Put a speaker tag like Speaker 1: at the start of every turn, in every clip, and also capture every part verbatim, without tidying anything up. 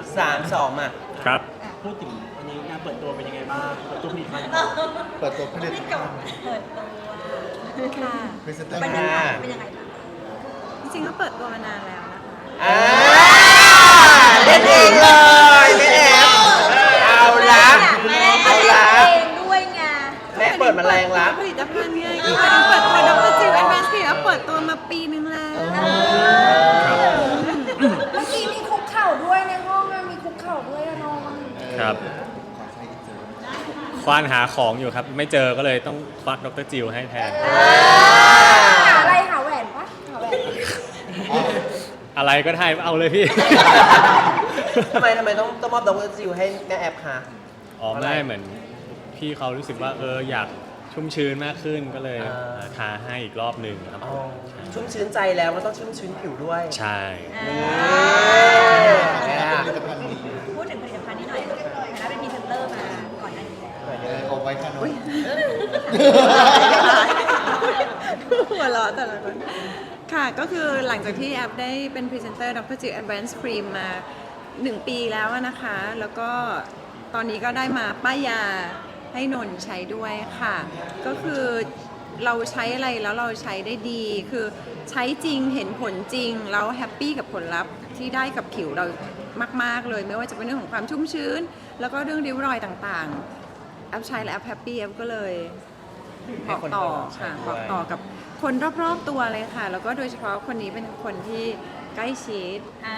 Speaker 1: สามสองมา
Speaker 2: ครับ
Speaker 3: พูดถึงวันนี้งานเปิดตัวเป็นยังไงบ้างเปิดตัวผลิตภัณฑ์
Speaker 4: เปิดตัวผลิตภัณฑ์
Speaker 5: เปิดตัวค่ะ
Speaker 4: พรีเซนเตอร์
Speaker 5: เป็นยังไงเป็นยังไงบ้าง
Speaker 6: จริงๆก็เปิดตัวมานานแล้วนะคะ
Speaker 1: อ่าเล่นเองเลยแม่แอฟเอาละ
Speaker 5: แม่
Speaker 1: เอาละ
Speaker 5: เองด้วยไง
Speaker 1: แม่เปิดมาแรงละ
Speaker 6: ผลิตภัณฑ์ไงอีกอันเปิดตัวดรจิวแอนด์แมนสแล้วเปิดตัวมาปีนึงแล้ว
Speaker 5: เมื่อกี้มีคุกเข่าด้วยในห้องมีคุกเข่าด้วยอะน้อง
Speaker 2: ครับ
Speaker 4: ขอใช้อินเสิร์ต
Speaker 2: ควานหาของอยู่ครับ ไม่เจอก็เลยต้องควักดรจิวให้แทน
Speaker 5: หาอะไรหาแหวนปะหาแหวน
Speaker 2: อะไรก็ได้เอาเลยพี่
Speaker 1: ทำไมทำไมต้องต้องมอบดรจิวให้แม่แอฟคะ
Speaker 2: อ๋อไม่เหมือนพี่เขารู้สึกว่าเอออยากชุ่มชื้นมากขึ้นก็เลย
Speaker 1: อ่า
Speaker 2: ทาให้อีกรอบหนึ่งครับ
Speaker 1: อ๋อชุ่มชื้นใจแล้วก็ต้องชุ่มชื้นผิวด้วย
Speaker 2: ใช่
Speaker 4: ผลิตภัณฑ์นี้
Speaker 5: พูดถึงผลิตภัณฑ์นี้หน่อยนะเป็นพรีเซนเตอร์มาก่อนหน้านี้แล้ว
Speaker 4: เออเอาไว้ค่ะน้อง
Speaker 6: หัวเราะแต่ละคนค่ะก็คือหลังจากที่แอปได้เป็นพรีเซนเตอร์ดรจิวแอนด์แมนสครีมมาหนึ่งปีแล้วนะคะ แล้วก็ตอนนี้ก็ได้มาป้ายยาให้นนท์ใช้ด้วยค่ะ ก็คือเราใช้อะไรแล้วเราใช้ได้ดี คือใช้จริงเห็นผลจริงแล้วแฮปปี้กับผลลัพธ์ที่ได้กับผิวเรามากๆเลย ไม่ว่าจะเป็นเรื่องของความชุ่มชื้น แล้วก็เรื่องริ้วรอยต่างๆแอปใช้และแอปแฮปปี้แอปก็เลยบอกต่อค่ะบอกต่อกับคนรอบๆตัวเลยค่ะ แล้วก็โดยเฉพาะคนนี้เป็นคนที่ใกล้ชิด
Speaker 5: อ่า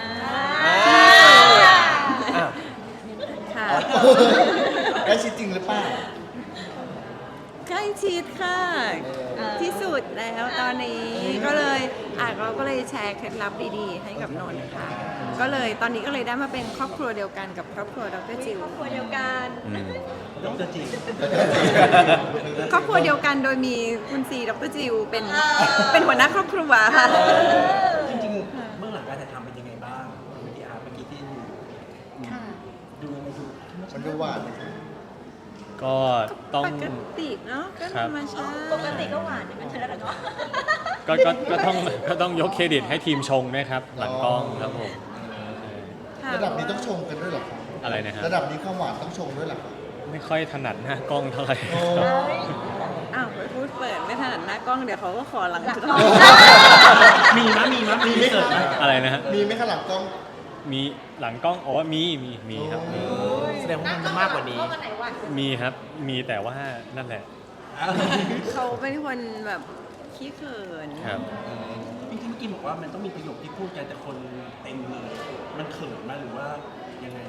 Speaker 1: อ้าว
Speaker 6: ค่ะ
Speaker 4: ได้ชิดจริงหรือเปล่า
Speaker 6: ใกล้ชิดค่ะ ที่สุดแล้วตอนนี้ก็เลยอ่ะเราก็เลยแชร์เคล็ดลับดีๆ ให้กับนนท์ค่ะ ก็เลยตอนนี้ก็เลยได้มาเป็นครอบครัวเดียวกันกับครอบครัวดรจิว
Speaker 5: ครอบครัวเดียวกัน
Speaker 2: อืม
Speaker 3: ดรจิว
Speaker 6: ครอบครัวเดียวกันโดยมีคุณซีดรจิวเป็นเป็นหัวหน้าครอบครัวค่ะ
Speaker 3: จริงๆเบื้องหลังการถ่ายทำเป็นยังไงบ้างวิดีอาร์เมื่อกี้ที่ดูดูยังไงดู
Speaker 4: มันดูหวานไหมคะ
Speaker 2: ก็ต้อง
Speaker 6: ปกติเนาะก็ธรรมชาติ
Speaker 5: ปกติก็หวานอย่างนั้นเธอแล้วเนาะ
Speaker 2: ก็ก็ก็ต้องก็ต้องยกเครดิตให้ทีมชงด้วยครับ หลังกล้องครับผม
Speaker 6: ค่ะ
Speaker 4: ระดับนี้ต้องชงกันด้วยเหรอครับ
Speaker 2: อะไรนะครับ
Speaker 4: ระดับนี้ความหวานต้องชงด้วยเหรอครับ
Speaker 2: ไม่ค่อยถนัดหน้ากล้องเท่าไหร่
Speaker 4: โอ้
Speaker 6: อ้าวไปพูดเปิดไม่ถนัดหน้ากล้องเดี๋ยวเขาก็ขอหลังกล้อง
Speaker 3: มีมั้ยมีมั้ยมีเสิร์ฟไหม
Speaker 2: อะไรนะฮะ
Speaker 4: มีไหมคะหลังกล้อง
Speaker 2: มีหลังกล้องอ๋อมีมีมีครับมี
Speaker 1: แสดงว่ามันมากกว่านี้
Speaker 2: มีครับมีแต่ว่านั่นแหละ
Speaker 6: เขาเป็นคนแบบขี้เขิน
Speaker 2: ครับ
Speaker 3: พี่ที่เมื่อกี้บอกว่ามันต้องมีประโยคที่พูดกันแต่คนเต็มเลยมันเขินไหมหรือว่ายังไง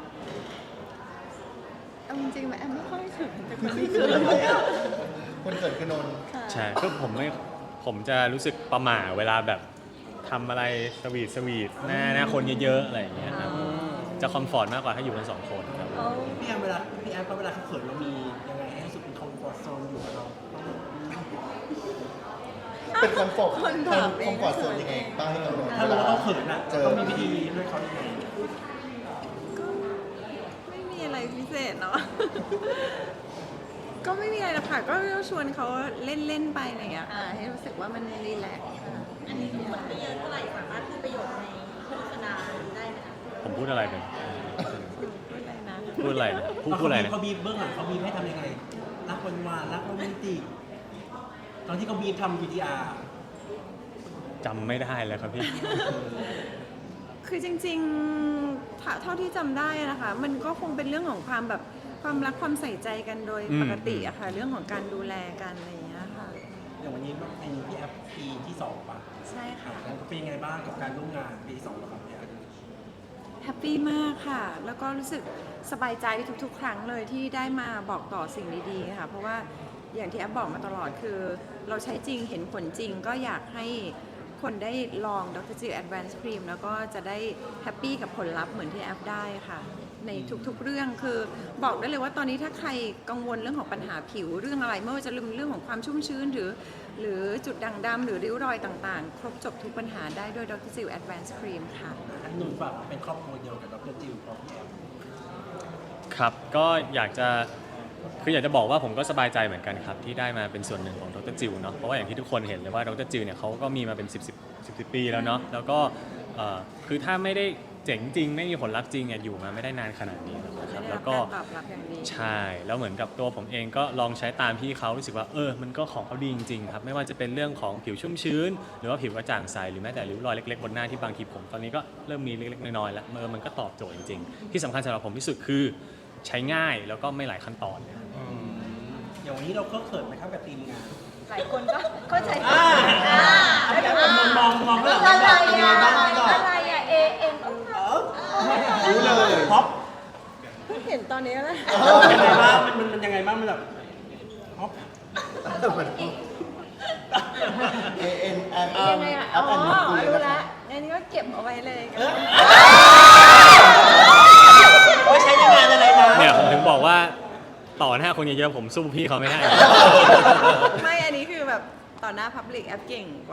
Speaker 6: เอาจริงๆไหมแอมไม่ค่อยเขินแต่คนขี้เขิน
Speaker 4: คนเกิดคือนนท์
Speaker 2: ใช่ก็ผมไม่ผมจะรู้สึกประหม่าเวลาแบบทำอะไรสวีทสวีทหน้าหน้าคนเยอะๆอะไรอย่างเงี้ยครับจะคอมฟอร์ตมากกว่าถ้าอยู่กันสองคนครับ
Speaker 3: พี่แอมเวลาพี่แอมเวลาเขาเขินเรามียังไงให้รู้สึกเป็นคอมฟอร์ทโซนอยู่กับเรา
Speaker 4: เป็นคอมฟอร์ต
Speaker 6: คนถามเอง
Speaker 4: คอมฟอร์ตโซนยังไงบ้างให้กับนนท์
Speaker 3: ถ้ารู้ว่าเขาเขินอ่ะ
Speaker 4: เจอ
Speaker 3: ต้องมีวิธีด้วยเขายังไง
Speaker 6: ก็ไม่มีอะไรพิเศษเนาะ ก็ไม่มีอะไรหรอกค่ะ ก็ชวนเขาเล่นๆไปอะไรอย่างเงี้ยค่ะให้รู้สึกว่ามันรีแลกซ์ค่ะ
Speaker 5: อันนี้คือมันไม่เยอะเท่าไหร่สามารถพูดประโยชน์ในโฆษณาได้ไหมคะ
Speaker 2: ผมพูดอะไรเป็น
Speaker 6: พูดอะไรนะ
Speaker 2: พูดอะไรนะพูดพูดอะไรนะ
Speaker 3: เขาบีบเบื้องหลังเขาบีบให้ทำยังไงรักวันวานรักโรแมนติกตอนที่เขาบีบทำวีดีอาร์
Speaker 2: จำไม่ได้แล้วครับพี่
Speaker 6: คือจริงๆถ้าเท่าที่จำได้นะคะ มันก็คงเป็นเรื่องของความแบบความรักความใส่ใจกันโดย
Speaker 2: อืม
Speaker 6: ปกติอะค่ะ เรื่องของการดูแลกันอะไรอย่างเงี้ยค่ะ
Speaker 3: อย่างวันนี้เป็นพี่แอฟปีที่สองป่ะ
Speaker 6: ใช่ค่ะ
Speaker 3: แล้วเป็นยังไงบ้างกับการร่วมงานปีที่สองแล้วครับพี่แอฟ
Speaker 6: แฮปปี้มากค่ะ แล้วก็รู้สึกสบายใจทุกๆ ครั้งเลยที่ได้มาบอกต่อสิ่งดีๆ ค่ะ เพราะว่าอย่างที่แอปบอกมาตลอดคือ เราใช้จริงเห็นผลจริง ก็อยากให้คนได้ลองดรจิว Advanced Cream แล้วก็จะได้แฮปปี้กับผลลัพธ์เหมือนที่แอปได้ค่ะ ในทุกๆ เรื่องคือบอกได้เลยว่าตอนนี้ถ้าใครกังวลเรื่องของปัญหาผิวเรื่องอะไรไม่ว่าจะเรื่องของความชุ่มชื้นหรือ หรือจุดด่างดำหรือริ้วรอยต่างๆ ครบจบทุกปัญหาได้ด้วยดรจิว Advanced Cream ค่ะ
Speaker 3: อันนุ่นฝากเป็นครอบครัวเดียวกับดรจิวพร้อมพี่แอฟ
Speaker 2: ครับก็อยากจะคืออยากจะบอกว่าผมก็สบายใจเหมือนกันครับที่ได้มาเป็นส่วนหนึ่งของดรจิวเนาะเพราะว่าอย่างที่ทุกคนเห็นเลยว่าดรจิวเนี่ยเขาก็มีมาเป็นสิบ สิบ สิบ สิบปีแล้วเนาะแล้วก็เอ่อคือถ้าไม่ได้เจ๋งจริงไม่มีผลลัพธ์จริงอ่ะอยู่มาไม่ได้นานขนาดนี้หรอกนะครับ
Speaker 6: ได้
Speaker 2: แล้
Speaker 6: รับ
Speaker 2: วก็
Speaker 6: การตอบรับอย่างดี
Speaker 2: ใช่แล้วเหมือนกับตัวผมเองก็ลองใช้ตามพี่เขารู้สึกว่าเออมันก็ของเขาดีจริงๆครับไม่ว่าจะเป็นเรื่องของผิวชุ่มชื้น หรือว่าผิวกระจ่างใสหรือแม้แต่ริ้วรอยเล็กๆบนหน้าที่บางทีผมตอนนี้ก็เริ่มมีเล็กๆน้อยๆแล้วเออมันก็ตอบโจทย์จริงๆที่สำคัญสำหรับผมที่สุดคือใช้ง่ายแล้วก็ไม่หลายขั้นตอน
Speaker 3: อย่างวันนี้เราก็เขินไหมครับกับทีมงาน
Speaker 5: หลายคนก็เข้าใจผิด
Speaker 3: อ่า
Speaker 5: อ่า
Speaker 3: พี่แอฟมองมองมองก็หลัง
Speaker 5: อะไร
Speaker 3: เป็นยังไง
Speaker 5: อ่ะ
Speaker 3: บ้างพี่ก่อน
Speaker 5: อะไรอ่ะเอเอ็ม
Speaker 4: รู้เลย
Speaker 3: พ็อป
Speaker 6: เพิ่งเห็นตอนนี้แหละ
Speaker 3: มันยังไงบ้างมันมันมันยังไงบ้างมันแบบพ็อป
Speaker 4: เอเอ็นแอม
Speaker 6: ยังไงอ่ะ
Speaker 4: แอ
Speaker 6: อ๋
Speaker 4: ปแอนด์
Speaker 6: อ
Speaker 4: คุย
Speaker 6: รู้
Speaker 4: นะค
Speaker 6: ละ
Speaker 4: รับ
Speaker 6: อันนี้ก็เก็บเอาไว้เลย
Speaker 3: ไว้ใช้ในงานอะไรนะ
Speaker 2: เนี่ยผมถึงบอกว่าต่อหน้าคนเยอะๆผมสู้พี่เขาไม่ได้
Speaker 6: ไม่ อันนี้คือแบบต่อหน้าพับลิกแอปเก่งกว่า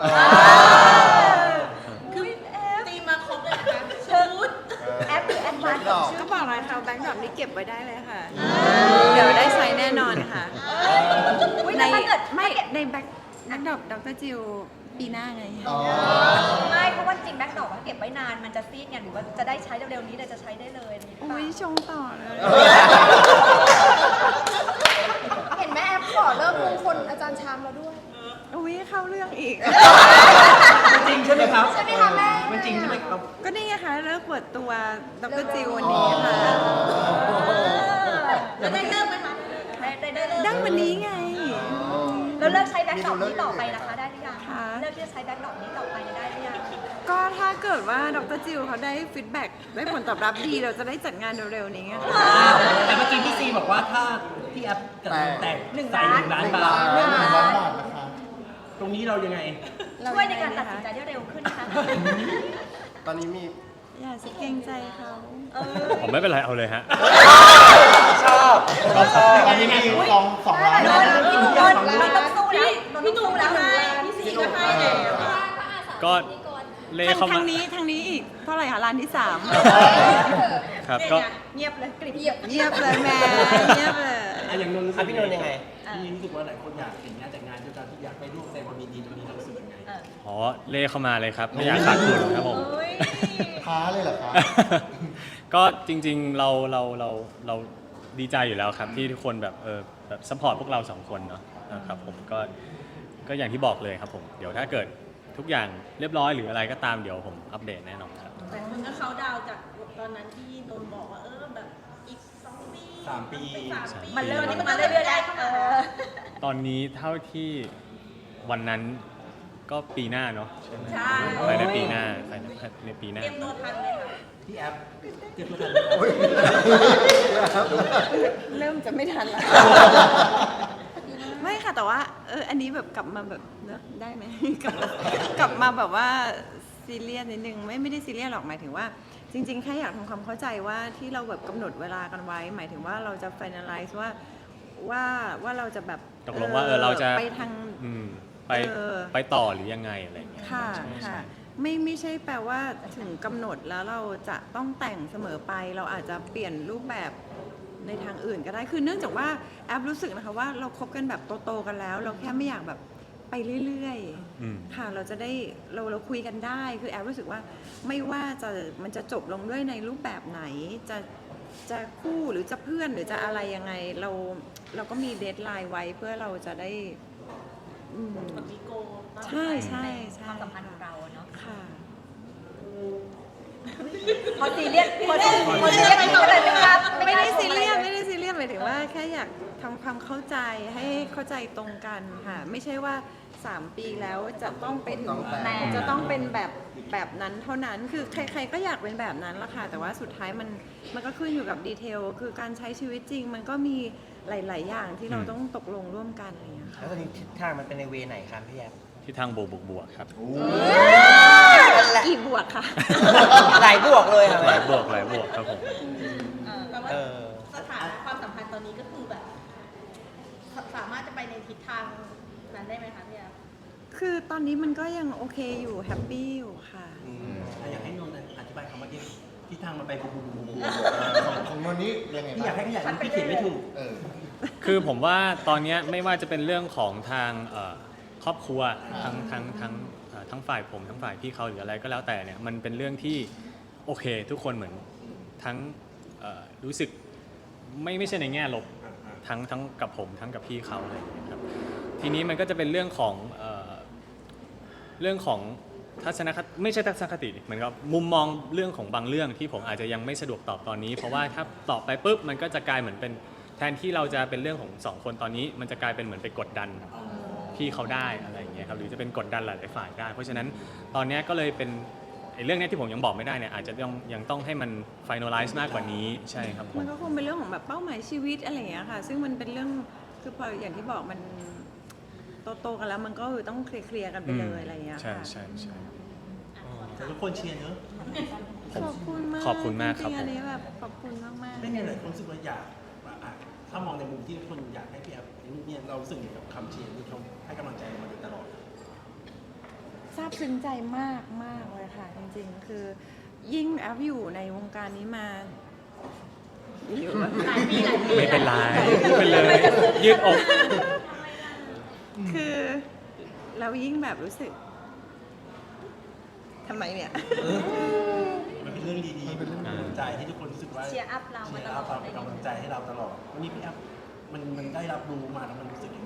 Speaker 5: คือแอปตีมาครบเลยนะคะชุดแอปหรือแอดวานซ์ของชุด
Speaker 6: ก็บอกเลยค่ะแบงค์ดรอปนี้เก็บไว้ได้เลยค่ะ เดี๋ยวได้ใช้แน่นอนค่ะ
Speaker 5: อุ๊ย
Speaker 6: ใน
Speaker 5: แต่ถ้าเกิด
Speaker 6: ไม่ในแบ็คแบ็คดรอปดรจิวปีหน้าไง
Speaker 4: อ๋อ
Speaker 5: ไม่เพราะว่าจริงแบ็คดอกเก็บไว้นานมันจะซีดไงหรือว่าจะได้ใช้เร็วๆนี้เลยจะใช้ได้เลยหรือเปล่า
Speaker 6: อุ้ยชงต่อเลย
Speaker 5: เห็นไหมแอปขอเริ่มมงคลอาจารย์ชามเราด้วย
Speaker 6: อุ้ยเข้าเรื่องอีก
Speaker 3: มันจริงใช่ไหมครับ
Speaker 5: ใช่ไหมคะแม่
Speaker 3: มันจริงใช่ไหมครับ
Speaker 6: ก็นี่ไงคะเลิกเปิดตัวดรจิววันนี้ค่ะ
Speaker 5: แล้วได้เริ่มไหมคะได้ได้ได้เริ่ม
Speaker 6: ดั้งวันนี้ไง
Speaker 5: แล้วเลิกใช้แบ็คดอกนี้ต่อไปนะคะได้หรือยัง
Speaker 6: ค่ะ
Speaker 5: เลิกที่จะใช้แบ็คดอกนี้ต่อไปได้หรือยัง
Speaker 6: ก็ถ้าเกิดว่าดรจิวเขาได้ฟีดแบ็กได้ผลตอบรับดี เราจะได้จัดงานเร็วๆนี้ไงค่ะ
Speaker 3: แต่เมื่อกี้พี่ซีบอกว่าถ้าพี่แอฟกับน้องแตก
Speaker 5: หนึ่ง
Speaker 3: ใส่
Speaker 5: ล้าน
Speaker 3: หนึ่งล้าน
Speaker 4: หนึ่ง
Speaker 3: บา
Speaker 4: ล้าน
Speaker 3: ท
Speaker 4: หนึ่งล้านบาทนะคะ
Speaker 3: ตรงนี้เรายังไง
Speaker 5: ช่วยในการตัดสินใจได้เร็วขึ้นนะคะ
Speaker 4: ตอนนี้มี
Speaker 6: อย่าสิเกรงใจเขา
Speaker 5: เออ
Speaker 2: ผมไม่เป็นไรเอาเลยฮะ
Speaker 1: ชอบชอบ
Speaker 4: ตอนนี้มีสองสองล้าน
Speaker 5: โด
Speaker 4: นะ
Speaker 5: นพี่หนุ่มโดนเราต้องสู้แล้วพี่หนุ่มแล้วให้พี่ซีก็ให้แล้ว
Speaker 2: ก็เล่
Speaker 6: ทาง
Speaker 2: เข้า
Speaker 6: ทา
Speaker 2: มา
Speaker 6: งนี้ทางนี้อีกเท่าไหร่คะร้านที่สาม
Speaker 2: ครับก็
Speaker 5: เงียบเลยกริบเงียบ
Speaker 6: เงียบเลยแม่เงียบเลย
Speaker 3: อ่ะอย่างนนท์รู้สึ
Speaker 1: อ่ะ
Speaker 3: ก
Speaker 1: พี่นนท์ยังไง
Speaker 3: พี่รู้สึกว่าหลายคนอยากเห็นงานแต่งงานด้วยกันที่อยากไปร่วมแสดงความยินดีตรงนี้เรารู้สึกยังไง
Speaker 2: อ๋อเล่เข้ามาเลยครับไม่อยากขาดทุนครับผม
Speaker 5: เอ้ย
Speaker 4: ท้าเลยเหรอคะ
Speaker 2: ก็จริงๆเราเราเราเราดีใจอยู่แล้วครับที่ทุกคนแบบเออแบบซัพพอร์ตพวกเราสองคนเนาะนะครับผมก็ก็อย่างที่บอกเลยครับผมเดี๋ยวถ้าเกิดทุกอย่างเรียบร้อยหรืออะไรก็ตามเดี๋ยวผมอัปเดตแน่นอนครับ
Speaker 5: แต่คนก็เขาดาวจากตอนนั้นที่นนบอกว่าเออแบบอีกสองปี
Speaker 3: สามปี
Speaker 5: สามปีมันเริ่มนี่มันมาเรื่อยๆได้เข้ามา
Speaker 2: ตอนนี้เท่าที่วันนั้นก็ปีหน้าเนาะใช่ไหม
Speaker 5: ใช่
Speaker 2: ภายในปีหน้าภายในในปีหน้า
Speaker 5: เตรียมตัวทันเลยค่ะ
Speaker 3: พี่แอฟเตรียมตัวทัน
Speaker 6: เริ่มจะไม่ทันละไม่ค่ะแต่ว่าเอออันนี้แบบกลับมาแบบเนอะได้ไหม กลับมากลับมาแบบว่าซีเรียสนิดนึงไม่ไม่ได้ซีเรียสหรอกหมายถึงว่า จริง ๆแค่อยากทำความเข้าใจว่าที่เราแบบกำหนดเวลากันไว้ หมายถึงว่าเราจะ finalize ว่าว่าว่าเราจะแบบ
Speaker 2: ตกลงว่าเออเราจะ
Speaker 6: ไปทาง
Speaker 2: อืมไป
Speaker 6: เออ
Speaker 2: ไปต่อหรือยังไงอะไรอย่างเงี้ย
Speaker 6: ค่ะ
Speaker 2: ใช่ใช่
Speaker 6: ค่ะไม่ไม่ใช่แปลว่าถึงกำหนดแล้วเราจะต้องแต่งเสมอไป เราอาจจะเปลี่ยนรูปแบบในทางอื่นก็ได้คือเนื่องจากว่าแอปรู้สึกนะคะว่าเราคบกันแบบโตๆกันแล้ว เราแค่ไม่อยากแบบไปเรื่อย
Speaker 2: อืม
Speaker 6: ๆค่ะเราจะได้เราเราคุยกันได้คือแอปรู้สึกว่าไม่ว่าจะมันจะจบลงด้วยในรูปแบบไหนจะจะคู่หรือจะเพื่อนหรือจะอะไรยังไงเราเราก็มีเดทไลน์ไว้เพื่อเราจะได้อืม
Speaker 5: แบบมีโกล
Speaker 6: ใช่ใช่ใช่
Speaker 5: ความสัมพันธ์ของเราเนาะ
Speaker 6: ค่ะ
Speaker 5: พอซีเรียสพอซีพอซีเรียสก็เลยไม่กล้า
Speaker 6: ไม่ได้ซีเรียสไม่ได้ซีเรียสหมายถึงว่าแค่อยากทำความเข้าใจให้เข้าใจตรงกันค่ะ ไม่ใช่ว่าสามปีแล้วจะต้องเป็น
Speaker 4: ต้องแต่ง
Speaker 6: จะต้องเป็นแบบแบบนั้นเท่านั้นคือใคร ๆ ก็อยากเป็นแบบนั้นละค่ะ แต่ว่าสุดท้ายมันมันก็ขึ้นอยู่กับดีเทลคือการใช้ชีวิตจริง มันก็มีหลาย ๆ อย่างที่เรา
Speaker 2: อืม
Speaker 6: ต้องตกลงร่วมกันอะไรอย่างเงี้ยค่ะ
Speaker 1: แล้วตอนนี้ทิศทางมันเป็นในเวไหนครับพี่แอฟ
Speaker 2: ที่ทางบวกบวกบวกครับ
Speaker 6: กี่บวกค่ะ
Speaker 1: หลายบวกเลยค่ะ
Speaker 2: หลายบวกหลายบวกครับผม
Speaker 5: แปลว่า
Speaker 1: เออ
Speaker 5: สถานะความสัมพันธ์ตอนนี้ก็คือแบบ สามารถจะไปในทิศทางนั้นได้ไหมคะพี่แอฟ
Speaker 6: คือตอนนี้มันก็ยังโอเคอยู่แฮปปี้อยู่ค่ะ
Speaker 3: อ่ะอยากให้นนท์อธิบายคำว่าที่ที่ทางมันไปบูบูบูบู
Speaker 4: ของของนนท์นี่ยังไง
Speaker 3: พี่อยากให้
Speaker 4: บ้าง
Speaker 3: ขยายมันพี่เขียนไม่ถูก
Speaker 4: เออ
Speaker 2: คือผมว่าตอนเนี้ยไม่ว่าจะเป็นเรื่องของทางเอ่อครอบครัว
Speaker 4: ครับ
Speaker 2: ทั้งทั้งทั้งเอ่อทั้งฝ่ายผมทั้งฝ่ายพี่เขาหรืออะไรก็แล้วแต่เนี่ยมันเป็นเรื่องที่โอเคทุกคนเหมือนทั้งเอ่อรู้สึกไม่ไม่ใช่ในแง่ลบทั้งทั้งกับผมทั้งกับพี่เขาอะไรอย่างเงี้ยครับทีนี้มันก็จะเป็นเรื่องของเอ่อเรื่องของทัศนคติไม่ใช่ทัศนคติเหมือนกับมุมมองเรื่องของบางเรื่องที่ผมอาจจะยังไม่สะดวกตอบตอนนี้ เพราะว่าถ้าตอบไปปุ๊บมันก็จะกลายเหมือนเป็นแทนที่เราจะเป็นเรื่องของสองคนตอนนี้ มันจะกลายเป็นเหมือนไปกดดันพี่เขาได้อะไรอย่างเงี้ยครับหรือจะเป็นกดดันหลายๆฝ่ายได้ เพราะฉะนั้นตอนนี้ก็เลยเป็นไอ้เรื่องนี้ที่ผมยังบอกไม่ได้เนี่ยอาจจะยังยังต้องให้มัน finalize มากกว่านี้ใช่ครับผม
Speaker 6: มันก็คงเป็นเรื่องของแบบเป้าหมายชีวิตอะไรอย่างเงี้ยค่ะ ซึ่งมันเป็นเรื่องคือพออย่างที่บอกมันโตๆกันแล้วมันก็ต้องเคลียร์ๆกันไปเลยอะไรอย่างเงี้ย
Speaker 2: ใช่
Speaker 6: ค่ะ
Speaker 2: ใช่ใช่
Speaker 3: แต่ทุกคนเชียร์เนอะ
Speaker 6: ขอบคุณมาก
Speaker 2: ขอบคุณมากครับ
Speaker 6: จงๆอันนี้แบบขอบคุณมากๆ
Speaker 3: เป็นไงหลายคนรู้สึกว่าอยากว่าอ่ะถ้ามองในมุมที่คนอยากให้พี่แอฟเนี่ยเรารู้สึกอย่างกับคำเชียร์ที่เขาให้กำลังใจเรามาโดยตลอด
Speaker 6: ซาบซึ้งใจมากมากเลยค่ะ จริงๆ คือยิ่งแอฟอยู่ในวงการนี้มาอยู่มา
Speaker 5: หลายปีหลายปี
Speaker 2: ไม่เป็นไรไม่เป็นเลยยืดอก
Speaker 6: คือเรายิ่งแบบรู้สึกทำไมเนี่ย
Speaker 3: มันเป็นเรื่องดีๆเป็นเรื่องกำลังใจที่ทุกคนรู้สึกว่า
Speaker 5: เชียร์อัพเรามา
Speaker 3: เชีย
Speaker 5: ต
Speaker 3: ร์
Speaker 5: ล
Speaker 3: อั
Speaker 5: อ
Speaker 3: พ
Speaker 5: ด
Speaker 3: เราเป็นกำลังใจให้เราตลอดวันนี้พี่แอฟมันมันได้รับรู้มาแล้วมันรู้สึกยังไง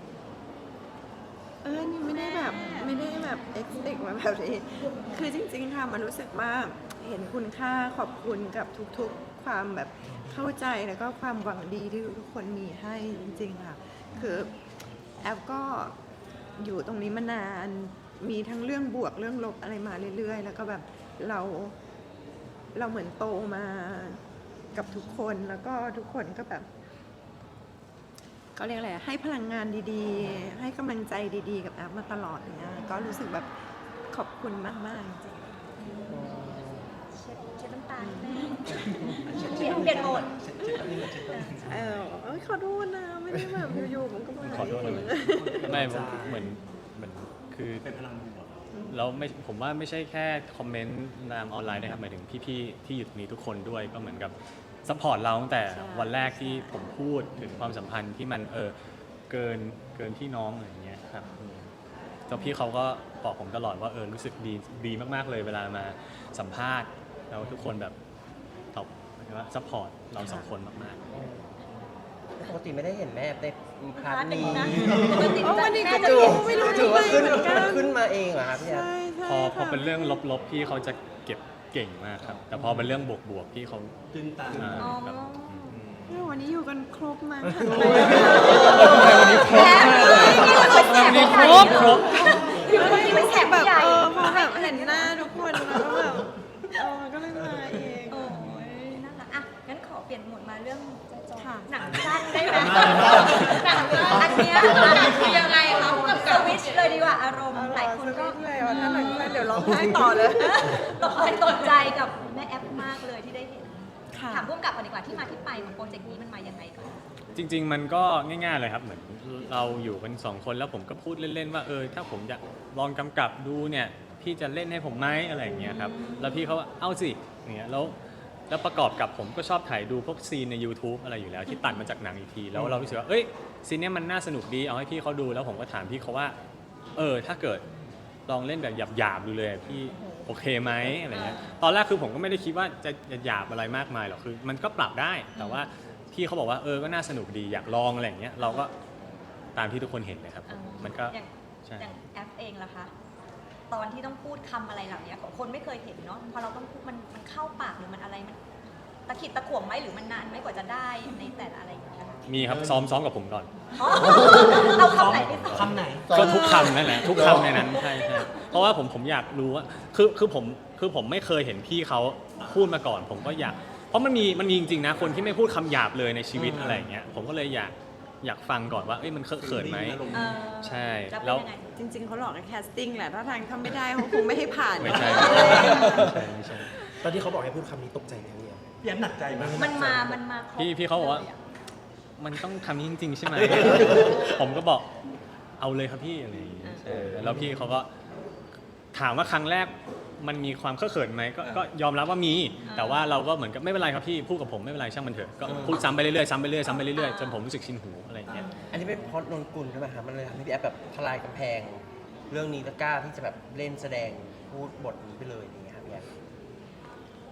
Speaker 6: เออ นี่ไม่ได้แบบไม่ได้แบบ expect มาแบบนี้ คือจริงๆ ค่ะ มันรู้สึกว่าเห็นคุณค่าขอบคุณกับทุกๆ ความแบบเข้าใจแล้วก็ความหวังดีที่ทุกคนมีให้จริงๆ ค่ะ คือแอฟก็อยู่ตรงนี้มานาน มีทั้งเรื่องบวกเรื่องลบอะไรมาเรื่อยๆ แล้วก็แบบเราเราเหมือนโตมากับทุกคนแล้วก็ทุกคนก็แบบ เขาเรียกอะไรให้พลังงานดีๆ ให้กำลังใจดีๆ กับแอฟมาตลอดเนี่ยก็รู้สึกแบบขอบคุณมากๆจริง
Speaker 5: เช็ดเช็ดน้ำตาแม่เปลี่ยนเปลี่ยนโหมด
Speaker 3: เช็ดเช็ดแป๊บนึงนะเช็ดแป๊บนึง
Speaker 6: ๆเออเอ้ยขอโทษนะไม่ได้แบบอยู่ๆผมก็มา
Speaker 2: ขอโทษนะไม่ผมเหมือนเหมือนคือ
Speaker 3: เป็นพลังบวก
Speaker 2: แล้วไม่ผมว่าไม่ใช่แค่คอมเมนต์ตามออนไลน์นะครับหมายถึงพี่ๆที่อยู่ตรงนี้ทุกคนด้วยก็เหมือนกับซัพพอร์ตเราตั้งแต่วันแรกที่ผมพูดถึงความสัมพันธ์ที่มันเออเกินเกินพี่น้องอะไรอย่างเงี้ยครับอืมแล้วพี่เขาก็บอกผมตลอดว่าเออรู้สึกดีดีมากๆเลยเวลามาสัมภาษณ์แล้วทุกคนแบบตอบหมายถึงว่าซัพพอร์ตเราสองคนมากๆ
Speaker 1: ปกติไม่ได้เห็นแม่ในพาร์ทนี้
Speaker 6: โอ้วันนี้ก็
Speaker 5: แม่จะ
Speaker 6: ไม่
Speaker 5: เปลี่ยน
Speaker 6: รู้ไม่รู้
Speaker 1: ถื
Speaker 6: ทำ
Speaker 1: อ
Speaker 6: ไม
Speaker 1: ว่าขึ้น
Speaker 6: เหมือนกัน
Speaker 1: ขึ้นมาเองเหรอครับพี่แอฟ
Speaker 6: ใช่ใช่
Speaker 2: พอพอ
Speaker 6: ค่ะ
Speaker 2: เป็นเรื่องลบๆพี่เขาจะเก็บเก่งมากครับ แต่พอเป็นเรื่องบวกๆพี่เขา
Speaker 3: ตื้นตัน
Speaker 2: อ่า
Speaker 5: อ๋อ
Speaker 2: ครับ
Speaker 6: เออวันนี้อยู่กันครบมากค่ะ
Speaker 2: วันนี้ครบมากเลยวันนี้ครบครบ
Speaker 5: อยู่เมื่อกี้เป็นแขก
Speaker 6: แบ
Speaker 5: ผู้
Speaker 6: บ
Speaker 5: ใหญ่
Speaker 6: เออพอแบบเห็นหน้าทุกคนแล้วก็แบบเออก็เลยมาเอง
Speaker 5: โอ้ยน่ารักอ่ะงั้นขอเปลี่ยนโหมดมาเรื่อง
Speaker 6: ค่ะ
Speaker 5: หนังสั้นได้ไหมหนังอันเนี้ยคือยังไงคะกับสวิตช์เลยดีกว่าอารมณ์หลายคนก็
Speaker 6: เลยว่าถ้าหนังสั้นเดี๋ยวร้องไห้ต่อเลย
Speaker 5: ตกใจตกใจกับแม่แอปมากเลยที่ได้เห็น
Speaker 6: ค่ะ
Speaker 5: ถามพุ่มกับก่อนดีกว่าที่มาที่ไปของโปรเจกต์นี้มันมายังไงก่อน
Speaker 2: จริง ๆ มันก็ง่ายๆเลยครับเหมือนเราอยู่กันสองคนแล้วผมก็พูดเล่นๆว่าเออถ้าผมอยากลองกำกับดูเนี่ยพี่จะเล่นให้ผมไหมอะไรอย่างเงี้ยครับแล้วพี่เขาว่าเอาสิอย่างเงี้ยแล้วแล้วประกอบกับผมก็ชอบถ่ายดูพวกซีนใน YouTube อะไรอยู่แล้วที่ตัดมาจากหนังอีกทีแล้วเรารู้สึกว่าเอ้ยซีนเนี้ยมันน่าสนุกดีเอาให้พี่เขาดูแล้วผมก็ถามพี่เขาว่าเออถ้าเกิดลองเล่นแบบหยาบๆดูเลยพี่โอเคไหมอะไรเงี้ยตอนแรกคือผมก็ไม่ได้คิดว่าจะหยาบอะไรมากมายหรอกคือมันก็ปรับได้แต่ว่าพี่เขาบอกว่าเออก็น่าสนุกดีอยากลองอะไรอย่างเงี้ยเราก็ตามที่ทุกคนเห็นเลยครับ
Speaker 5: เออ
Speaker 2: มันก็
Speaker 5: อย่าง
Speaker 2: ใช่
Speaker 5: อย่างแอปเองล่ะคะตอนที่ต้องพูดคำอะไรเหล่านี้คนไม่เคยเห็นเนาะพอเราต้องพูดมันมันเข้าปากหรือมันอะไรมันตะขิดตะขวงไหมหรือมันนานไหมกว่าจะได้ในแต่ละอะไรอย่างเงี้ยค่ะ
Speaker 2: มีครับซ้อมซ้อมกับผมก่อน
Speaker 5: อ๋อเอาคำไหนไปต่อ
Speaker 3: คำไหน
Speaker 2: ก็ทุกคำนั่นแหละทุกคำในนั้นใช่ใช่เพราะว่าผมผมอยากรู้ว่าคือคือผมคือผมไม่เคยเห็นพี่เขาพูดมาก่อน ผมก็อยากเพราะมันมีมันมีจริงๆนะคนที่ไม่พูดคำหยาบเลยในชีวิตอะไรอย่างเงี้ยผมก็เลยอยากอยากฟังก่อนว่าเอ้ยมันเคอะเขินไหม
Speaker 5: เออ
Speaker 2: ใช่
Speaker 5: แล้ว
Speaker 2: แล้ว
Speaker 5: เป็นยังไง
Speaker 6: จริง ๆเขาหลอกให้แคสติ้งแหละถ้าทางทำไม่ได้เขาคงไม่ให้ผ่าน
Speaker 2: ไม่ใช่ไม่ใช่ไม่ใช่
Speaker 4: ตอนที่เขาบอกให้พูดคำนี้ตกใจไหมเนี่ย
Speaker 3: พี่แอฟหนักใจไหม
Speaker 5: มันมา มันมาครบ
Speaker 2: พี่พี่เขาบอกว่า
Speaker 5: ลยะ
Speaker 2: มันต้องทำนี้จริง ๆ ใช่ไหม ผมก็บอกเอาเลยครับพี่อะไรอย่างเงี้ยใช่แล้วพี่เขาก็ถามว่าครั้งแรกมันมีความเคอะเขินไหมก็ก็ยอมรับว่ามี แต่ว่าเราก็เหมือนกับไม่เป็นไรครับพี่พูดกับผมไม่เป็นไรช่างมันเถอะก็พูดซ้ำไปเรื่อยๆซ้ำไปเรื่อยๆซ้ำไปเรื่อยๆจนผมรู้สึกชินหูอะไรอย่างเงี้ย
Speaker 1: อันนี้เป็นเพราะนนกุลใช่ไหมครับมันเลยทำให้พี่แอฟแบบทลายกำแพง เรื่องนี้แล้วกล้าที่จะแบบเล่นแสดงพูดบทนี้ไปเลยอย่างเงี้ยครับพี่แอฟ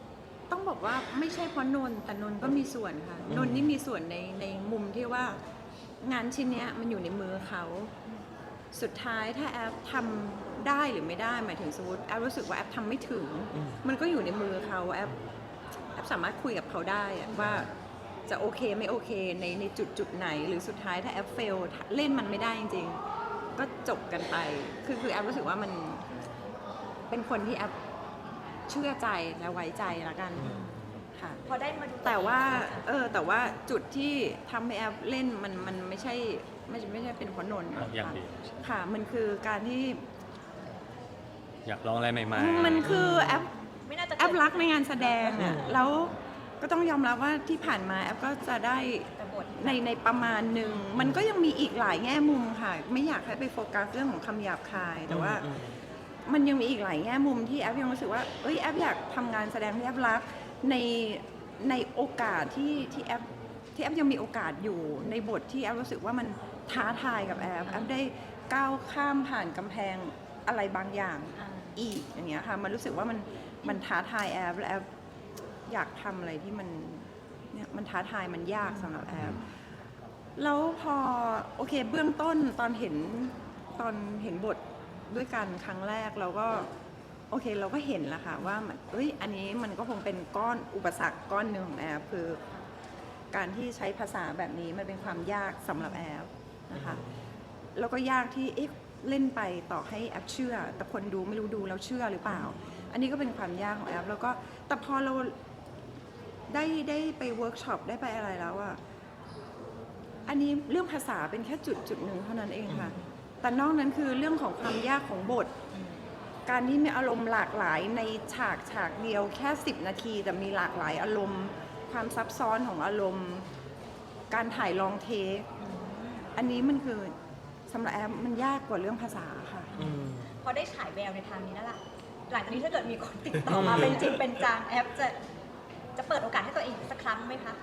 Speaker 6: ต้องบอกว่าไม่ใช่เพราะนนท์แต่นนท์ก็มีส่วนค่ะนนท์นี่มีส่วนในในมุมที่ว่างานชิ้นเนี้ยมันอยู่ในมือเขาสุดท้ายถ้าแอปทำได้หรือไม่ได้หมายถึงสมมติแอปรู้สึกว่าแอปทำไม่ถึง มันก็อยู่ในมือเขาแอปแอปสามารถคุยกับเขาได้อะว่าจะโอเคไม่โอเคในในจุดจุดไหนหรือสุดท้ายถ้าแอปเฟลเล่นมันไม่ได้จริงๆก็จบกันไปคือคือแอปรู้สึกว่ามันเป็นคนที่แอปเชื่อใจและไว้ใจละกันค่ะ
Speaker 5: พอได้มาดู
Speaker 6: แต่ว่าเออแต่ว่าจุดที่ทำให้แอปเล่นมันมันไม่ใช่ไม่ใช่ไม่ใช่เป็นเพราะนนท์
Speaker 2: เอาอย่างเดียว
Speaker 6: ค่ะมันคือการที่
Speaker 2: อยากลองอะไรใหม่
Speaker 6: มันคือแอป
Speaker 5: ไม่น่าจะ
Speaker 6: แอปรักในงานแสดงอ่ะแล้วก็ต้องยอมรับว่าที่ผ่านมาแอปก็จะได้
Speaker 5: แต่บท
Speaker 6: ในในประมาณหนึ่งมันก็ยังมีอีกหลายแง่มุมค่ะ ไม่อยากให้ไปโฟกัสเรื่องของคำหยาบคายแต่ว่า มันยังมีอีกหลายแง่มุมที่แอปยังรู้สึกว่าเอ้ยแอปอยากทำงานแสดงที่แอปรักในในโอกาสที่ที่แอปที่แอปยังมีโอกาสอยู่ในบทที่แอปรู้สึกว่ามันท้าทายกับแอปแอปได้ก้าวข้ามผ่านกำแพงอะไรบางอย่าง
Speaker 5: อ่า
Speaker 6: อีกอย่างเงี้ยค่ะมันรู้สึกว่ามันมันท้าทายแอปและแอปอยากทำอะไรที่มันเนี่ยมันท้าทายมันยากสำหรับแอปแล้วพอโอเคเบื้องต้นตอนเห็นตอนเห็นบทด้วยกันครั้งแรกเราก็โอเคเราก็เห็นแล้วค่ะว่ามันเอ้ยอันนี้มันก็คงเป็นก้อนอุปสรรคก้อนหนึ่งของแอปคือการที่ใช้ภาษาแบบนี้มันเป็นความยากสำหรับแอปนะคะแล้วก็ยากที่เอ๊ะเล่นไปต่อให้แอปเชื่อแต่คนดูไม่รู้ดูแล้วเชื่อหรือเปล่าอันนี้ก็เป็นความยากของแอปแล้วก็แต่พอเราได้ได้ไปเวิร์กช็อปได้ไปอะไรแล้วอะอันนี้เรื่องภาษาเป็นแค่จุดจุดหนึ่งเท่านั้นเองค่ะแต่นอกนั้นคือเรื่องของความยากของบทการที่มีอารมณ์หลากหลายในฉากฉากเดียวแค่สิบนาทีแต่มีหลากหลายอารมณ์ความซับซ้อนของอารมณ์การถ่ายลองเทคอันนี้มันคือสำหรับแอปมันยากกว่าเรื่องภาษาค่ะ
Speaker 5: พอได้ฉายแววในทางนี้แล้วล่ะหลังจากนี้ถ้าเกิดมีคนติดต่อมาเป็นจริงเป็นจังแอปจะจะเปิดโอกาสให้ตัวเองสักครั้งไหมคะ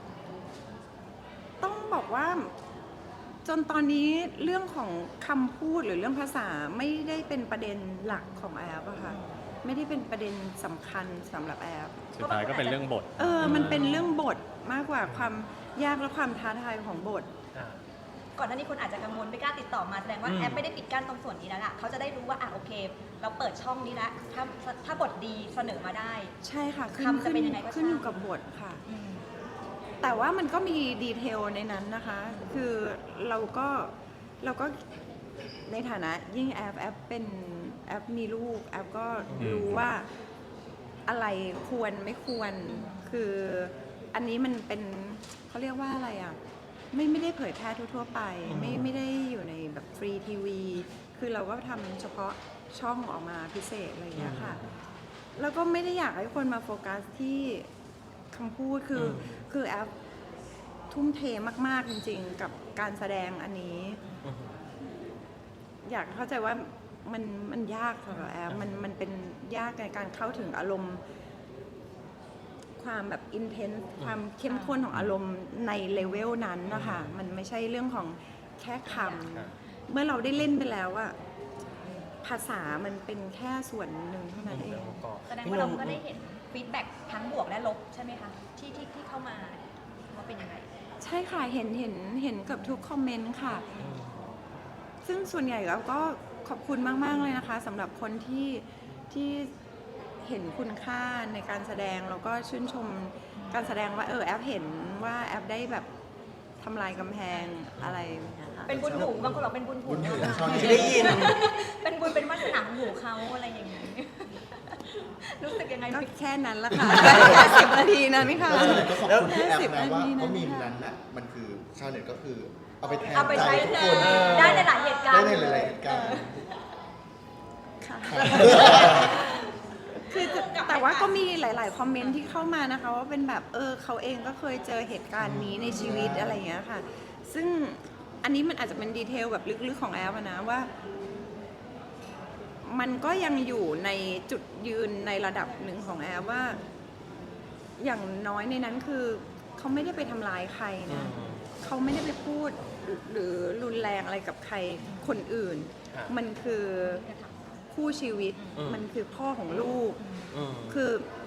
Speaker 6: ต้องบอกว่าจนตอนนี้เรื่องของคำพูดหรือเรื่องภาษาไม่ได้เป็นประเด็นหลักของแอปอะค่ะไม่ได้เป็นประเด็นสำคัญสำหรับแอป
Speaker 2: ๆ สุดท้ายก็เป็นเรื่องบท
Speaker 6: เออมันเป็นเรื่องบทมากกว่าความยากและความท้าทายของบท
Speaker 5: ก่อนหน้านี้คนอาจจะกังวลไม่กล้าติดต่อมาแสดงว่าแอปไม่ได้ปิดกั้นตรงส่วนนี้แล้วล่ะเขาจะได้รู้ว่าอ่ะโอเค เราเปิดช่องนี้แล้วถ้าถ้าบทดีเสนอมาได้
Speaker 6: ใช่ค่ะขึ้น
Speaker 5: คำจะเป็นยังไงก็
Speaker 6: ขึ้นอยู่
Speaker 5: ช่าง
Speaker 6: กับบทค่ะ
Speaker 5: อืม
Speaker 6: แต่ว่ามันก็มีดีเทลในนั้นนะคะ คือเราก็เราก็ในฐานะยิ่งแอปแอปเป็นแอปมีลูกแอปก็รู้ว่าอะไรควรไม่ควร คืออันนี้มันเป็นเขาเรียกว่าอะไรอ่ะ ไม่ไม่ได้เผยแพร่ทั่วๆไป ไม่ไม่ได้อยู่ในแบบฟรีทีวี คือเราก็ทำเฉพาะช่องออกมาพิเศษอะไรอย่างเงี้ยค่ะ แล้วก็ไม่ได้อยากให้คนมาโฟกัสที่คำพูดคือคือแอปทุ่มเทมากๆจริงๆ กับการแสดงอันนี้ อยากเข้าใจว่ามันมันยากสำหรับแอปมันมันเป็นยากในการเข้าถึงอารมณ์ ความแบบอินเทนส์ความเข้มข้นของอารมณ์ในเลเวลนั้นนะคะมันไม่ใช่เรื่องของแค่คำเมื่อเราได้เล่นไปแล้วอะภาษามันเป็นแค่ส่วนหนึ่งเท่านั้นเอง
Speaker 5: แสดงว่าเราก็ได้เห็นฟีดแบ็กทั้งบวกและลบใช่ไหมคะที่ที่ที่เข้ามาว่าเป็นยังไง
Speaker 6: ใช่ค่ะเห็นเห็นเห็นกับทุกคอมเมนต์ค่ะ ซึ่งส่วนใหญ่เราก็ขอบคุณมากๆเลยนะคะสำหรับคนที่ที่เห็นคุณค่าในการแสดงแล้วก็ชื่นชมการแสดงว่าเออแอปเห็นว่าแอปได้แบบทำลายกำแพงอะไรนะคะ
Speaker 5: เป็นบุญหูบางคนบอกเป็นบุญหู
Speaker 1: บุญหูที่ได้ยิน
Speaker 5: เป็นบุญเป็นวาสนาของหูเขาอะไรอย่างนี้ รู้สึกยังไง
Speaker 6: ก็แค่นั้นละค่ะแค่สิบนาทีนั้นค่ะ
Speaker 7: แล้วชาวเน็ตก็ขอบคุณพี่แอป
Speaker 6: สิบ
Speaker 7: นะว่า
Speaker 6: นาทีนั้น
Speaker 7: เพราะมีมนั้นน่ะมันคือชาวเน็ตก็คือเอาไปแทน
Speaker 5: เอาไป
Speaker 7: ใจ
Speaker 5: ใช้
Speaker 7: ทุกคน
Speaker 5: ได้ในหลายเหตุการ
Speaker 7: ได้
Speaker 5: ณ์
Speaker 7: ในหลายๆเหตุการณ์
Speaker 6: ค่ะ คือแต่ว่าก็มีหลาย ๆ คอมเมนต์ที่เข้ามานะคะว่าเป็นแบบเออเขาเองก็เคยเจอเหตุการณ์นี้ในชีวิตอะไรอย่างเงี้ยค่ะ ซึ่งอันนี้มันอาจจะเป็นดีเทลแบบลึก ๆ ของแอปอะนะว่า มันก็ยังอยู่ในจุดยืนในระดับหนึ่งของแอปว่า อย่างน้อยในนั้นคือเขาไม่ได้ไปทำร้ายใครนะเขาไม่ได้ไปพูดหรือรุนแรงอะไรกับใครคนอื่น มันคือคู่ชีวิตมันคือพ่อของลูก คือ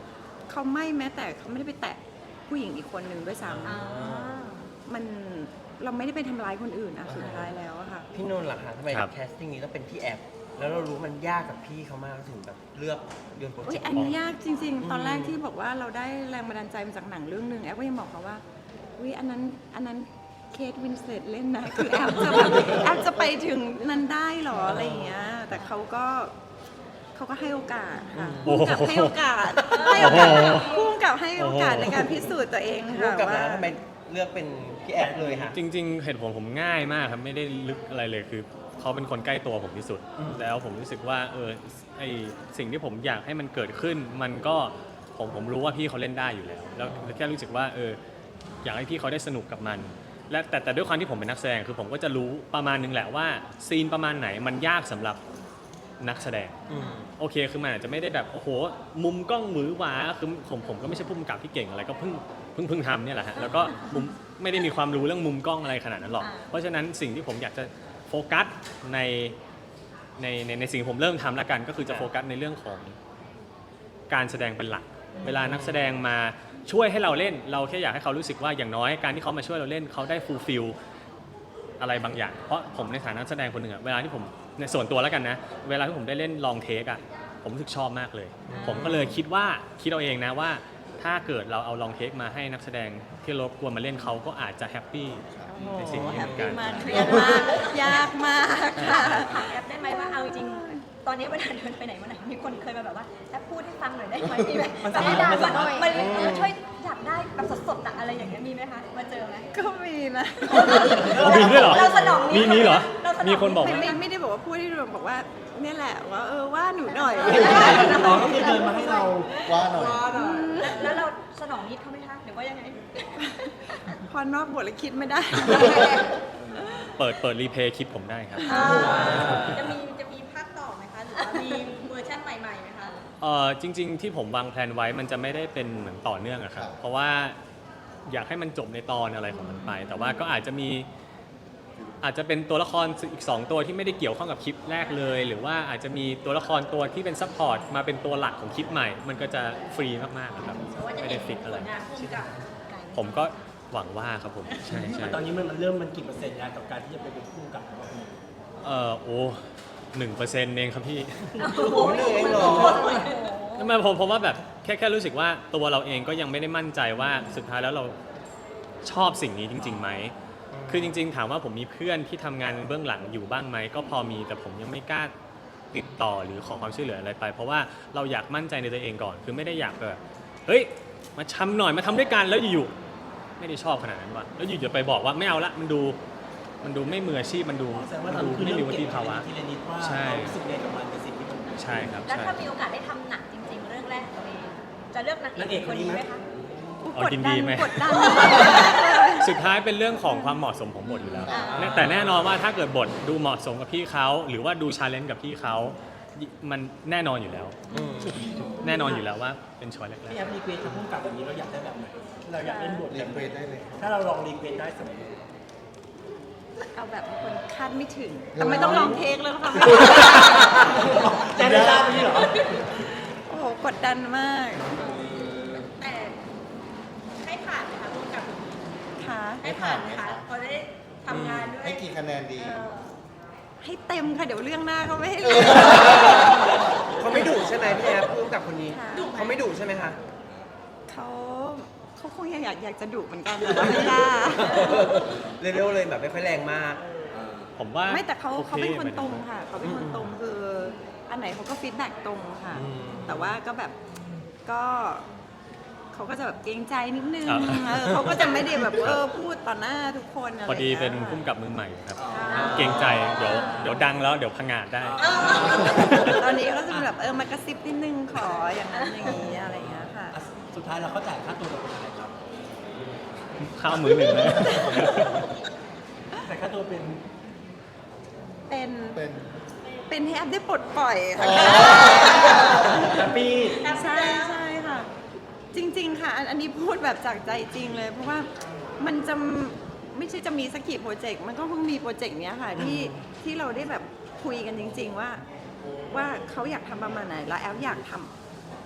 Speaker 6: เขาไม่แม้แต่เขาไม่ได้ไปแตะผู้หญิงอีกคนหนึ่งด้วยซ้
Speaker 5: อ่า
Speaker 6: ำมันเราไม่ได้ไปทำร้ายคนอื่นอะสุดท้ายแล้วอะค่ะ
Speaker 1: พี่นนท์ล่ะคะทำไม
Speaker 2: ครับ
Speaker 1: แคสติ้งนี้ต้องเป็นพี่แอฟแล้วเรารู้มันยากกับพี่เขามากถึงแบบเลือกโยนโปร
Speaker 6: อุ้
Speaker 1: เจ
Speaker 6: ย
Speaker 1: กต์
Speaker 6: อันนี้ยากจริง ๆ ตอนแรกที่บอกว่าเราได้แรงบันดาลใจมาจากหนังเรื่องหนึ่งแอฟก็ยังบอกเขาว่าอุ้ยอันนั้นอันนั้นเคทวินสเลตเล่นนะคือแอฟจะแบบแอฟจะไปถึงนั้นได้หรออะไรอย่างเงี้ยแต่เขาก็เขาก็ให้โอกาสค่ะ
Speaker 2: โอ้
Speaker 6: พุ่
Speaker 2: โห
Speaker 6: กับให้โอกาสให้โอกาส
Speaker 2: โอ้โห
Speaker 6: พุ่กับให้โอกาส
Speaker 2: โอ้โห
Speaker 6: ในการพิสูจน์ตัวเอง
Speaker 1: ร่ว
Speaker 6: ค่ะ
Speaker 1: มกับ
Speaker 6: ว่า
Speaker 1: นะทำไมเลือกเป็นพี่แอฟเลยค่ะ
Speaker 2: จริงๆเหตุผลผมง่ายมากครับไม่ได้ลึกอะไรเลยคือเขาเป็นคนใกล้ตัวผมที่สุด แล้วผมรู้สึกว่าเออไอสิ่งที่ผมอยากให้มันเกิดขึ้น มันก็ผมผมรู้ว่าพี่เขาเล่นได้อยู่แล้ว แล้วแค่รู้สึกว่าเอออยากให้พี่เขาได้สนุกกับมัน และแต่แต่ด้วยความที่ผมเป็นนักแสดงคือผมก็จะรู้ประมาณนึงแหละว่าซีนประมาณไหนมันยากสำหรับนักแสดง โอเคคือมันอาจจะไม่ได้แบบโอ้โหมุมกล้องหวือหวาคือผมผมก็ไม่ใช่ผู้กำกับที่เก่งอะไรก็เพิ่งเพิ่งเพิ่งทำเนี่ยแหละฮะแล้วก็มุมไม่ได้มีความรู้เรื่องมุมกล้องอะไรขนาดนั้นหรอก
Speaker 5: อ่า
Speaker 2: เพราะฉะนั้นสิ่งที่ผมอยากจะโฟกัสในในในในสิ่งที่ผมเริ่มทำละกันก็คือจะโฟกัสในเรื่องของการแสดงเป็นหลัก เวลานักแสดงมาช่วยให้เราเล่น เราแค่อยากให้เขารู้สึกว่าอย่างน้อยการที่เขามาช่วยเราเล่นเขาได้ฟูลฟิลอะไรบางอย่าง เพราะผมในฐานะนักแสดงคนหนึ่งอะเวลาที่ผมในส่วนตัวแล้วกันนะเวลาที่ผมได้เล่นลองเทคอะผมรู้สึกชอบมากเลย ผมก็เลยคิดว่าคิดเอาเองนะว่า ถ้าเกิดเราเอาลองเทคมาให้นักแสดงที่รบกวนมาเล่นเขาก็อาจจะแฮปปี้ในสิ่งนี้
Speaker 6: แฮ
Speaker 2: เห
Speaker 6: ป
Speaker 2: มือนกั
Speaker 6: ปี้
Speaker 2: น
Speaker 6: มากเครียดมากยากมากค่ะ
Speaker 5: ถามแอปได้ไหมว่าเอาจริงๆตอนนี้เวลาเดินไปไหนมาไหนมีคนเคยมาแบบว่าแอปพูดให้ฟังหน่อยได้ไหมมีไหม
Speaker 3: มัน
Speaker 5: แบบ
Speaker 3: สามารถ
Speaker 5: ด่า
Speaker 3: มันสามารถ
Speaker 5: มันเออช่วยอยากได้แบบสดๆอะอะไรอย่างเงี้ยมีไหมคะมาเจอไหม
Speaker 6: ก็มีนะ
Speaker 2: มีด้วยเหรอ
Speaker 5: เราสนอง
Speaker 2: มีมีเหรอ
Speaker 5: เราสนอง
Speaker 2: มีคนบอก
Speaker 6: ไม่
Speaker 2: ว่า
Speaker 6: ไม่ไม่ได้บอกว่าพูดที่เราบอกว่าเนี่ยแหละว่าเออว่าหนูหน่อย
Speaker 3: อ๋อก็คือเดินมาให้เรา
Speaker 7: ว่าหน่อย
Speaker 5: แล้วเราสนองนิดเขาไหมคะหรือว่ายังไง
Speaker 6: พอนอกบทแล้วคิดไม่ได้
Speaker 2: เปิดเปิดรีเพย์คลิปผมได้ครับ
Speaker 5: จะมีจะมีภาคต่อไหมคะหรือว่ามีเวอร์ชันใหม่ๆไหมคะ
Speaker 2: เอ่อจริง ๆ ที่ผมวางแผนไว้มันจะไม่ได้เป็นเหมือนต่อเนื่องอะครับ เพราะว่าอยากให้มันจบในตอนอะไรของมันไป แต่ว่าก็อาจจะมีอาจจะเป็นตัวละครอีกสองตัวที่ไม่ได้เกี่ยวข้องกับคลิปแรกเลย หรือว่าอาจจะมีตัวละครตัวที่เป็นซัพพอร์ตมาเป็นตัวหลักของคลิปใหม่ มันก็จะฟรีมากๆนะครับไม่ได้ฟิกอะไร ผมก็หวังว่าครับผมใช่ใช่
Speaker 3: ตอนนี้มันมันเริ่มมันกี่เปอร์เซ็นต์แล้วกับการที่จะไปเป็นผู้กำกับของเราเอง
Speaker 2: เออโอ้หนึ่งเปอร์เซ็นต์เองครับพี่
Speaker 5: โอ้โห
Speaker 1: เหนื่อยเหรอ
Speaker 2: ทำไมผมผมว่าแบบแค่แค่รู้สึกว่าตัวเราเองก็ยังไม่ได้มั่นใจว่าสุดท้ายแล้วเราชอบสิ่งนี้จริงๆไหม คือจริงๆถามว่าผมมีเพื่อนที่ทำงานเบื้องหลังอยู่บ้างไหมก็พอมีแต่ผมยังไม่กล้าติดต่อหรือขอความช่วยเหลืออะไรไป เพราะว่าเราอยากมั่นใจในตัวเองก่อน คือไม่ได้อยากแบบเฮ้ยมาทำหน่อยมาทำด้วยกันแล้วอยู่ๆไม่ได้ชอบขนาดนั้นว่ะแล้วอยู่จะไปบอกว่าไม่เอาละมันดูมันดูไม่มืออาชีพมันดู
Speaker 3: แสดงว่า
Speaker 2: มัน
Speaker 3: เรา
Speaker 2: ดู
Speaker 3: คือ
Speaker 2: ไม่
Speaker 3: เริ่
Speaker 2: มี
Speaker 3: ม
Speaker 2: วุ
Speaker 3: เก็บ
Speaker 2: ฒิภาวะ
Speaker 3: ทีละนิดว่า
Speaker 2: ใช่
Speaker 3: เรารู้สึกไงกับมันในสิ่งที่มัน
Speaker 2: ใช่ครับ
Speaker 5: แล้ว
Speaker 2: ใช่
Speaker 5: ถ้ามีโอกาสได้ทำหนังจริงๆ เรื่องแรกของตัวเองจะเลือกนางเอกคนนี้ไหมคะ
Speaker 2: เอา
Speaker 6: กด
Speaker 2: ยิน
Speaker 6: ดั
Speaker 2: ดี
Speaker 6: น
Speaker 2: ไหม
Speaker 6: กดดัน
Speaker 2: สุดท้ายเป็นเรื่องของความเหมาะสมของบทอยู่แล้ว
Speaker 5: อ่า
Speaker 2: แต่แน่นอนว่าถ้าเกิดบทดูเหมาะสมกับพี่เขาหรือว่าดูชาเลนจ์กับพี่เขามันแน่นอนอยู่แล้ว แน่นอนอยู่แล้วว่าเป็นช้อยแรก
Speaker 3: พี่แอปรีเควสกับผู้กำกับแบบนี้เราอยากได้แบบไหนเราอยากเล่นบท
Speaker 7: เรี
Speaker 3: แบ
Speaker 7: ยน
Speaker 3: บ
Speaker 7: เว
Speaker 3: ไหน
Speaker 7: ทได้เลย
Speaker 3: ถ้าเราลองรีเควสได้สมมติ
Speaker 6: เอาแบบคนคาดไม่ถึงแต่ไม่ต้องลองเทคแล้วค่ะ
Speaker 3: แจ้งได้ทราบไหมเหรอ
Speaker 6: โอ้โหกดดันมาก
Speaker 5: แต่ให้ผ่านไหมคะร่วมกับ
Speaker 6: ค่ะ
Speaker 5: ให้ผ่านไหมคะพอได้ทำงานด้วย
Speaker 7: ให้กี่คะแนนดี
Speaker 5: เออ
Speaker 6: ให้เต็มค่ะเดี๋ยวเรื่องหน้าเขาไม่ให้เลย
Speaker 1: เขาไม่ดุใช่ไหมพี่แอฟร่วมกับคนนี้
Speaker 6: ค่ะ
Speaker 1: เขาไม่ดุใช่ไหมคะ
Speaker 6: เขาเขาคงอยากอยากจะดุเหมือนกันแต่ว่าไม่กล้า
Speaker 1: เร็วๆเลยแบบไม่ค่อยแรงมาก
Speaker 2: ๆ ผมว่า
Speaker 6: ไม่แต่เขา
Speaker 2: โอ
Speaker 6: เขาเป็นคน
Speaker 2: หมยถึ
Speaker 6: ตรงค่ะเขาเป็นคนตรงคืออันไหนเขาก็ฟีดแบ็กตรงค่ะ
Speaker 1: อืม
Speaker 6: แต่ว่าก็แบบก็เขาก็จะแบบเกรงใจนิดนึง
Speaker 2: ครับ
Speaker 6: เออเขาก็จะไม่ได้แบบเออพูดต่อหน้าทุกคนอะไร
Speaker 2: พอดีเป็น
Speaker 6: อย่างงี้ย
Speaker 2: พุ่มกับมือใหม่ครับ เกรงใจเดี๋ยวเดี๋ยวดังแล้วเดี๋ยวพังงาดได้
Speaker 6: ตอนนี้ก็จะแบบเออมากระซิบนิดนึงขออย่างนั้นอย่างนี้อะไรอย่างเงี้ยค่ะ
Speaker 3: อ่ะสุดท้ายเราเข้าจ่ายค่าตัวเราเป็นอะไรครับ
Speaker 2: ข้าวมือหนึ่งเลย
Speaker 3: แต่ค่าตัวเป็น
Speaker 6: เป็น
Speaker 7: เป็น
Speaker 6: เป็นให้แอปได้ปลดปล่อยค่ะ
Speaker 3: แฮปปี้
Speaker 6: ใช่ใช่ค่ะ จริง ๆ ค่ะอันอันนี้พูดแบบจากใจจริงเลย เพราะว่ามันจะไม่ใช่จะมีสักกี่โปรเจกต์มันก็เพิ่งมีโปรเจกต์เนี้ยค่ะที่ที่เราได้แบบคุยกันจริง ๆ ว่า ว่าเขาอยากทำประมาณไหนแล้วแอปอยากทำ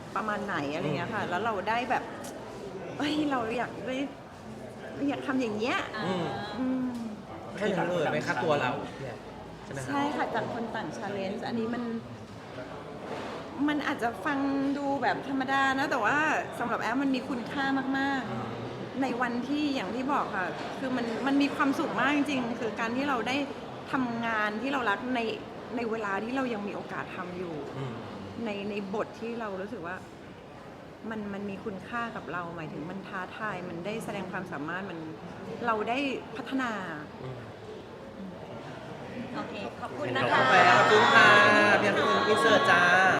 Speaker 6: ประมาณไหนอะไรเงี้ยค่ะ แล้วเราได้แบบเฮ้ยเราอยากได้อยากทำอย่างเงี้ย
Speaker 1: อืม
Speaker 6: อืม
Speaker 1: แค่นั้นเลยไหมคะตัวเราเนี่ยใช่ไหมคะ
Speaker 6: ใช่ค่ะจากคนต่างชาเลนจ์อันนี้มัน มันอาจจะฟังดูแบบธรรมดานะ แต่ว่าสำหรับแอฟมันมีคุณค่ามากๆ ในวันที่อย่างที่บอกค่ะ คือมันมันมีความสุขมากจริงๆ คือการที่เราได้ทำงานที่เรารักในในเวลาที่เรายังมีโอกาสทำอยู่
Speaker 1: อืม
Speaker 6: ในในบทที่เรารู้สึกว่ามันมันมีคุณค่ากับเรา หมายถึงมันท้าทาย มันได้แสดงความสามารถมันเราได้พัฒนา
Speaker 5: โอเค ขอบคุณนะ
Speaker 2: ขอบ
Speaker 5: คะ
Speaker 2: คุณ
Speaker 1: ไปขอบคุณค่ะพี่แอฟอินเสิร์ตจ้า